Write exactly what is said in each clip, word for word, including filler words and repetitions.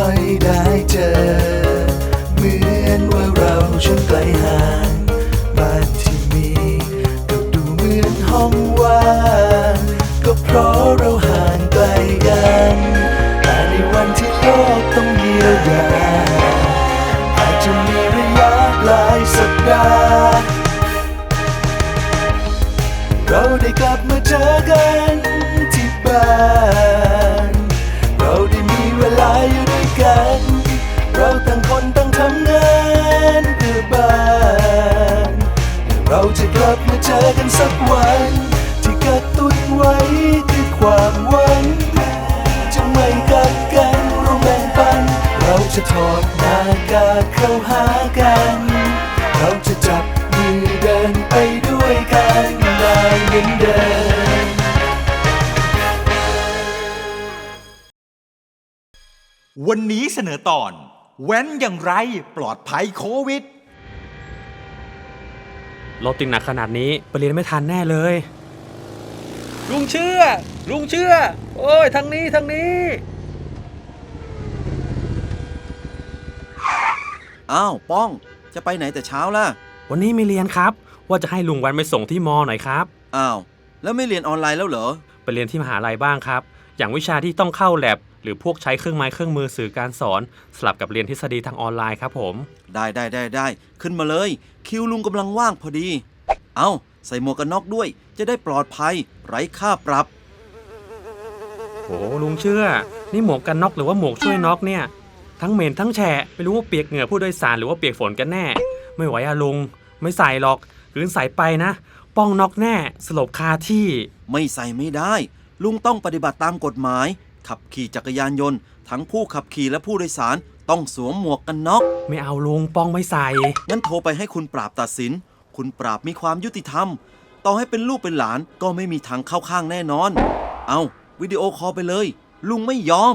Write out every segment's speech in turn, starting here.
ค่อยได้เจอเหมือนว่าเราช่างไกลห่างบ้านที่มีก็ดูเหมือนห้องว่างก็เพราะเราห่างไกลกันแต่ในวันที่โลกต้องเยียวยาอาจจะมีระยะหลายสัปดาห์เราได้กลับมาเจอกันที่บ้านเราได้มีเวลาอยู่ด้วยกันเราต่างคนต่างทำงานเพื่อบ้านเราจะกลับมาเจอกันสักวันที่กระตุ้นไว้คือความหวังจะไม่กัดกันร่วมแบ่งปันเราจะถอดหน้ากากเข้าหากันเราจะจับมือเดินไปด้วยกันได้เหมือนเดิมวันนี้เสนอตอนแว้นอย่างไรปลอดภัยโควิดรถติดหนักขนาดนี้ไปเรียนไม่ทันแน่เลยลุงเชื่อลุงเชื่อโอ้ยทางนี้ทางนี้อ้าวป้องจะไปไหนแต่เช้าล่ะวันนี้ไม่เรียนครับว่าจะให้ลุงวันไปส่งที่มอหน่อยครับอ้าวแล้วไม่เรียนออนไลน์แล้วเหรอไปเรียนที่มหาลัยบ้างครับอย่างวิชาที่ต้องเข้าแลบหรือพวกใช้เครื่องไม้เครื่องมือสื่อการสอนสลับกับเรียนทฤษฎีทางออนไลน์ครับผมได้ได้ได้ได้ขึ้นมาเลยคิวลุงกำลังว่างพอดีเอาใส่หมวกกันน็อกด้วยจะได้ปลอดภัยไร้ค่าปรับโอ้ลุงเชื่อนี่หมวกกันน็อกหรือว่าหมวกช่วยน็อกเนี่ยทั้งเหม็นทั้งแฉะไม่รู้ว่าเปียกเหงื่อผู้โดยสารหรือว่าเปียกฝนกันแน่ไม่ไหวอะลุงไม่ใส่หรอกหรือใส่ไปนะป้องน็อกแน่สลบคาที่ไม่ใส่ไม่ได้ลุงต้องปฏิบัติตามกฎหมายขับขี่จักรยานยนต์ทั้งผู้ขับขี่และผู้โดยสารต้องสวมหมวกกันน็อกไม่เอาลุงป้องไม่ใส่งั้นโทรไปให้คุณปราบตัดสินคุณปราบมีความยุติธรรมต่อให้เป็นลูกเป็นหลานก็ไม่มีทางเข้าข้างแน่นอนเอาวิดีโอคอลไปเลยลุงไม่ยอม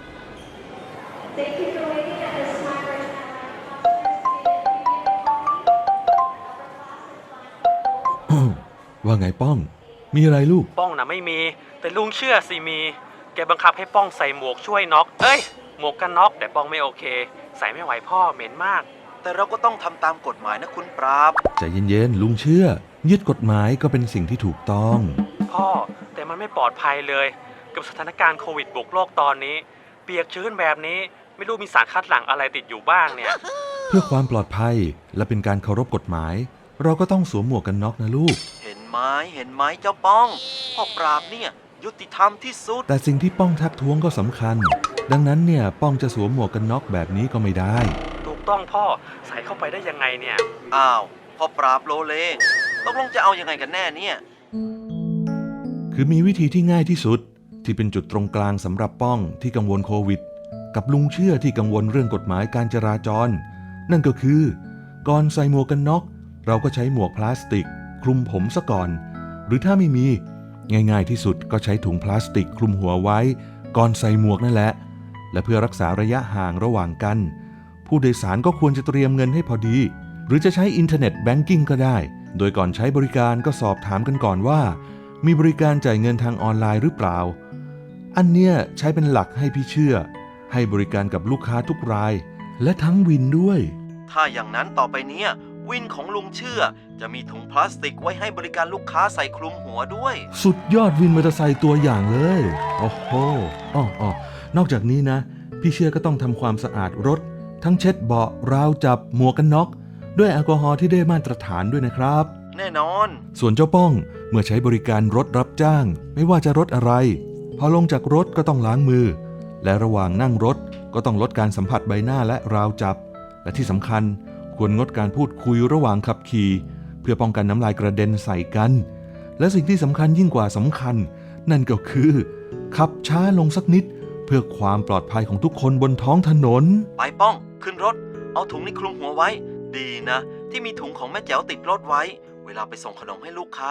ว่าไงป้องมีอะไรลูกป้องนะไม่มีแต่ลุงเชื่อสิมีแกบังคับให้ป้องใส่หมวกช่วยน็อกเอ้ยหมวกกันน็อกแต่ป้องไม่โอเคใส่ไม่ไหวพ่อเหม็นมากแต่เราก็ต้องทำตามกฎหมายนะคุณปราบใจเย็นๆลุงเชื่อยึดกฎหมายก็เป็นสิ่งที่ถูกต้องพ่อแต่มันไม่ปลอดภัยเลยกับสถานการณ์โควิดบุกโลกตอนนี้เปียกชื้นแบบนี้ไม่รู้มีสารคัดหลั่งอะไรติดอยู่บ้างเนี่ยเพื่อความปลอดภัยและเป็นการเคารพกฎหมายเราก็ต้องสวมหมวกกันน็อกนะลูกเห็นไหมเห็นไหมเจ้าป้องพ่อปราบเนี่ยยุติธรรมที่สุดแต่สิ่งที่ป้องทักท้วงก็สำคัญดังนั้นเนี่ยป้องจะสวมหมวกกันน็อกแบบนี้ก็ไม่ได้ถูกต้องพ่อใส่เข้าไปได้ยังไงเนี่ยอ้าวพ่อปราบโลเลตกลงจะเอายังไงกันแน่เนี่ยคือมีวิธีที่ง่ายที่สุดที่เป็นจุดตรงกลางสำหรับป้องที่กังวลโควิดกับลุงเชื่อที่กังวลเรื่องกฎหมายการจราจรนั่นก็คือก่อนใส่หมวกกันน็อกเราก็ใช้หมวกพลาสติกคลุมผมซะก่อนหรือถ้าไม่มีง่ายๆที่สุดก็ใช้ถุงพลาสติกคลุมหัวไว้ก่อนใส่หมวกนั่นแหละและเพื่อรักษาระยะห่างระหว่างกันผู้โดยสารก็ควรจะเตรียมเงินให้พอดีหรือจะใช้อินเทอร์เน็ตแบงกิ้งก็ได้โดยก่อนใช้บริการก็สอบถามกันก่อนว่ามีบริการจ่ายเงินทางออนไลน์หรือเปล่าอันเนี้ยใช้เป็นหลักให้พี่เชื่อให้บริการกับลูกค้าทุกรายและทั้งวินด้วยถ้าอย่างนั้นต่อไปเนี้ยวินของลุงเชื่อจะมีถุงพลาสติกไว้ให้บริการลูกค้าใส่คลุมหัวด้วยสุดยอดวินมอเตอร์ไซค์ตัวอย่างเลยโอ้โหอ้ออ้อนอกจากนี้นะพี่เชื่อก็ต้องทำความสะอาดรถทั้งเช็ดเบาะราวจับหมวกกันน็อกด้วยแอลกอฮอล์ที่ได้มาตรฐานด้วยนะครับแน่นอนส่วนเจ้าป้องเมื่อใช้บริการรถรับจ้างไม่ว่าจะรถอะไรพอลงจากรถก็ต้องล้างมือและระหว่างนั่งรถก็ต้องลดการสัมผัสใบหน้าและราวจับและที่สำคัญควรงดการพูดคุยระหว่างขับขี่เพื่อป้องกันน้ำลายกระเด็นใส่กันและสิ่งที่สำคัญยิ่งกว่าสำคัญนั่นก็คือขับช้าลงสักนิดเพื่อความปลอดภัยของทุกคนบนท้องถนนไปป้องขึ้นรถเอาถุงนี้คลุมหัวไว้ดีนะที่มีถุงของแม่แจ๋วติดรถไว้เวลาไปส่งขนมให้ลูกค้า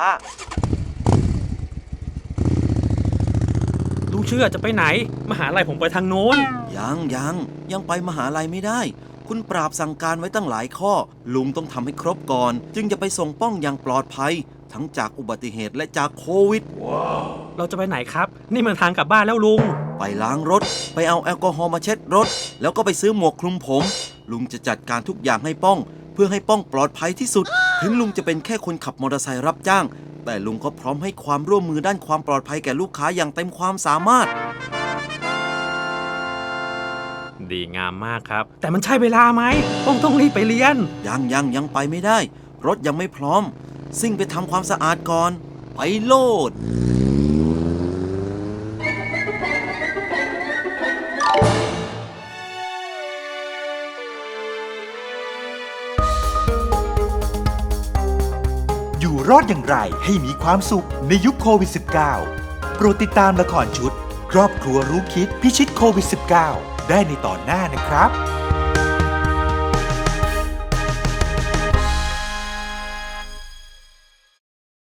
ลุงเชื่อจะไปไหนมหาลัยผมไปทางโน้นยังยังยังไปมหาลัยไม่ได้คุณปราบสั่งการไว้ตั้งหลายข้อลุงต้องทำให้ครบก่อนจึงจะไปส่งป้องอย่างปลอดภัยทั้งจากอุบัติเหตุและจากโควิด wow. เราจะไปไหนครับนี่มันทางกลับบ้านแล้วลุงไปล้างรถ ไปเอาแอลกอฮอล์มาเช็ดรถ แล้วก็ไปซื้อหมวกคลุมผม ลุงจะจัดการทุกอย่างให้ป้อง เพื่อให้ป้องปลอดภัยที่สุด ถึงลุงจะเป็นแค่คนขับมอเตอร์ไซค์รับจ้าง แต่ลุงก็พร้อมให้ความร่วมมือด้านความปลอดภัยแก่ลูกค้าอย่างเต็มความสามารถดีงามมากครับ แต่มันใช่เวลาไหมป้องต้องรีบไปเรียนยังยังยังไปไม่ได้ รถยังไม่พร้อม ซิ่งไปทำความสะอาดก่อน ไปโลดอยู่รอดอย่างไรให้มีความสุขในยุคโควิด สิบเก้า โปรดติดตามละครชุด ครอบครัวรู้คิดพิชิตโควิด สิบเก้า ได้ในตอนหน้านะครับ